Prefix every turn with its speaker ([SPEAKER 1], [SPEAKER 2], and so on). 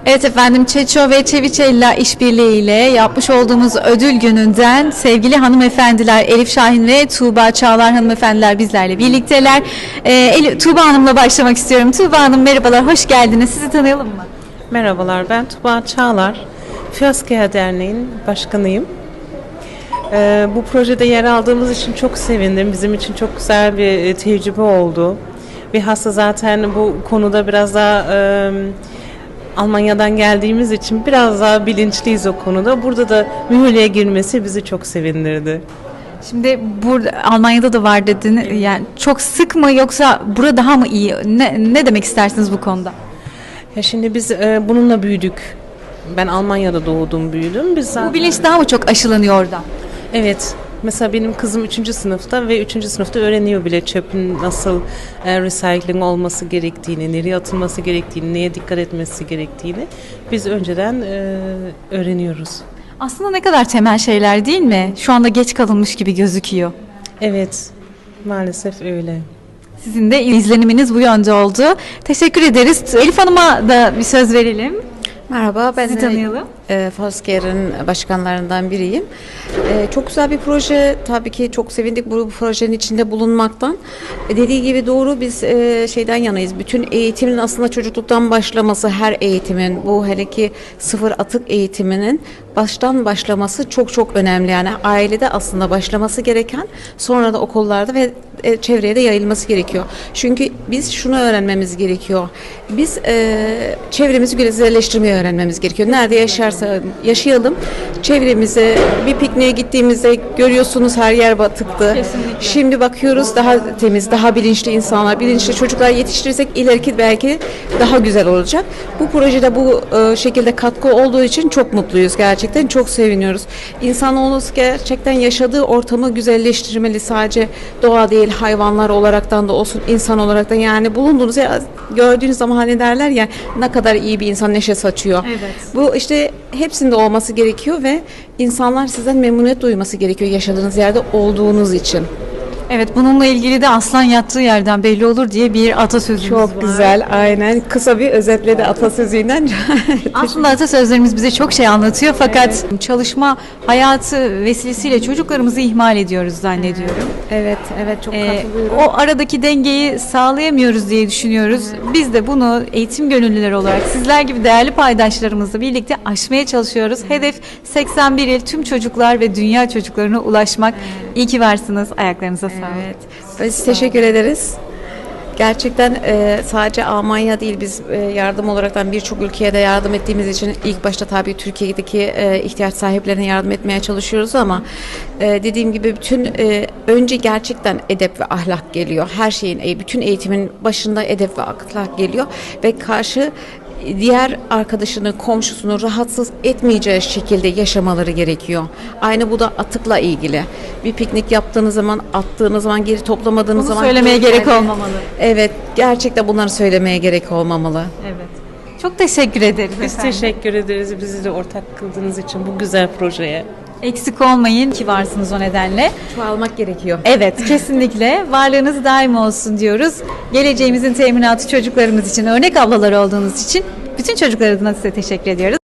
[SPEAKER 1] Evet efendim, Çeço ve Çeviçella işbirliğiyle yapmış olduğumuz ödül gününden sevgili hanımefendiler Elif Şahin ve Tuğba Çağlar hanımefendiler bizlerle birlikteler. Tuğba Hanım'la başlamak istiyorum. Tuğba Hanım merhabalar, hoş geldiniz. Sizi tanıyalım mı?
[SPEAKER 2] Merhabalar, ben Tuğba Çağlar. Fiyaskaya Derneği'nin başkanıyım. Bu projede yer aldığımız için çok sevindim. Bizim için çok güzel bir tecrübe oldu. Bilhassa zaten bu konuda biraz daha Almanya'dan geldiğimiz için biraz daha bilinçliyiz o konuda. Burada da mühürlüğe girmesi bizi çok sevindirdi.
[SPEAKER 1] Şimdi burada Almanya'da da var dedin. Yani çok sık mı yoksa burada daha mı iyi? Ne demek istersiniz bu konuda?
[SPEAKER 2] Ya şimdi biz bununla büyüdük. Ben Almanya'da doğdum, büyüdüm. Biz zaten...
[SPEAKER 1] Bu bilinç daha mı çok aşılanıyor orada?
[SPEAKER 2] Evet. Mesela benim kızım 3. sınıfta ve 3. sınıfta öğreniyor bile çöpün nasıl recycling olması gerektiğini, nereye atılması gerektiğini, neye dikkat etmesi gerektiğini biz önceden öğreniyoruz.
[SPEAKER 1] Aslında ne kadar temel şeyler değil mi? Şu anda geç kalınmış gibi gözüküyor.
[SPEAKER 2] Evet, maalesef öyle.
[SPEAKER 1] Sizin de izleniminiz bu yönde oldu. Teşekkür ederiz. Elif Hanım'a da bir söz verelim.
[SPEAKER 3] Merhaba, ben
[SPEAKER 1] Sizi tanıyalım.
[SPEAKER 3] Fosker'in başkanlarından biriyim. Çok güzel bir proje, tabii ki çok sevindik bu projenin içinde bulunmaktan. Dediği gibi doğru, biz şeyden yanayız. Bütün eğitimin aslında çocukluktan başlaması, her eğitimin, bu hele ki sıfır atık eğitiminin baştan başlaması çok çok önemli. Yani ailede aslında başlaması gereken, sonra da okullarda ve çevreye de yayılması gerekiyor. Çünkü biz şunu öğrenmemiz gerekiyor. Biz çevremizi güzelleştirmeyi öğrenmemiz gerekiyor. Nerede yaşayalım. Çevremize bir pikniğe gittiğimizde görüyorsunuz her yer batıktı.
[SPEAKER 1] Kesinlikle.
[SPEAKER 3] Şimdi bakıyoruz daha temiz, daha bilinçli insanlar, bilinçli çocuklar yetiştirirsek ileriki belki daha güzel olacak. Bu projede bu şekilde katkı olduğu için çok mutluyuz gerçekten. Çok seviniyoruz. İnsanoğlu gerçekten yaşadığı ortamı güzelleştirmeli. Sadece doğa değil, hayvanlar olaraktan da olsun, insan olaraktan, yani bulunduğunuz yer, gördüğünüz zaman hani derler ya, ne kadar iyi bir insan neşe saçıyor.
[SPEAKER 1] Evet.
[SPEAKER 3] Bu işte hepsinde olması gerekiyor ve insanlar sizden memnuniyet duyması gerekiyor yaşadığınız yerde olduğunuz için.
[SPEAKER 1] Evet, bununla ilgili de aslan yattığı yerden belli olur diye bir atasözümüz var.
[SPEAKER 3] Çok güzel, aynen. Kısa bir özetledi atasözüyle.
[SPEAKER 1] Aslında atasözlerimiz bize çok şey anlatıyor fakat çalışma hayatı vesilesiyle çocuklarımızı ihmal ediyoruz zannediyorum.
[SPEAKER 3] Evet, evet, çok katılıyorum.
[SPEAKER 1] O aradaki dengeyi sağlayamıyoruz diye düşünüyoruz. Biz de bunu eğitim gönüllüleri olarak sizler gibi değerli paydaşlarımızla birlikte aşmaya çalışıyoruz. Hedef 81 il tüm çocuklar ve dünya çocuklarına ulaşmak. İyi ki varsınız. Ayaklarınıza sağlık.
[SPEAKER 3] Evet, biz teşekkür ederiz. Gerçekten sadece Almanya değil, biz yardım olaraktan birçok ülkeye de yardım ettiğimiz için ilk başta tabii Türkiye'deki ihtiyaç sahiplerine yardım etmeye çalışıyoruz ama dediğim gibi bütün önce gerçekten edep ve ahlak geliyor. Her şeyin, bütün eğitimin başında edep ve ahlak geliyor ve karşı diğer arkadaşını, komşusunu rahatsız etmeyeceği şekilde yaşamaları gerekiyor. Aynı bu da atıkla ilgili. Bir piknik yaptığınız zaman, attığınız zaman, geri toplamadığınız
[SPEAKER 1] Bunu
[SPEAKER 3] zaman
[SPEAKER 1] söylemeye gerek olmamalı.
[SPEAKER 3] Evet, gerçekten bunları söylemeye gerek olmamalı.
[SPEAKER 1] Evet. Çok teşekkür ederiz.
[SPEAKER 2] Biz
[SPEAKER 1] efendim.
[SPEAKER 2] teşekkür ederiz bizi de ortak kıldığınız için bu güzel projeye.
[SPEAKER 1] Eksik olmayın ki varsınız o nedenle.
[SPEAKER 3] Çoğalmak gerekiyor.
[SPEAKER 1] Evet, kesinlikle varlığınız daim olsun diyoruz. Geleceğimizin teminatı çocuklarımız için, örnek ablalar olduğunuz için bütün çocuklar adına size teşekkür ediyoruz.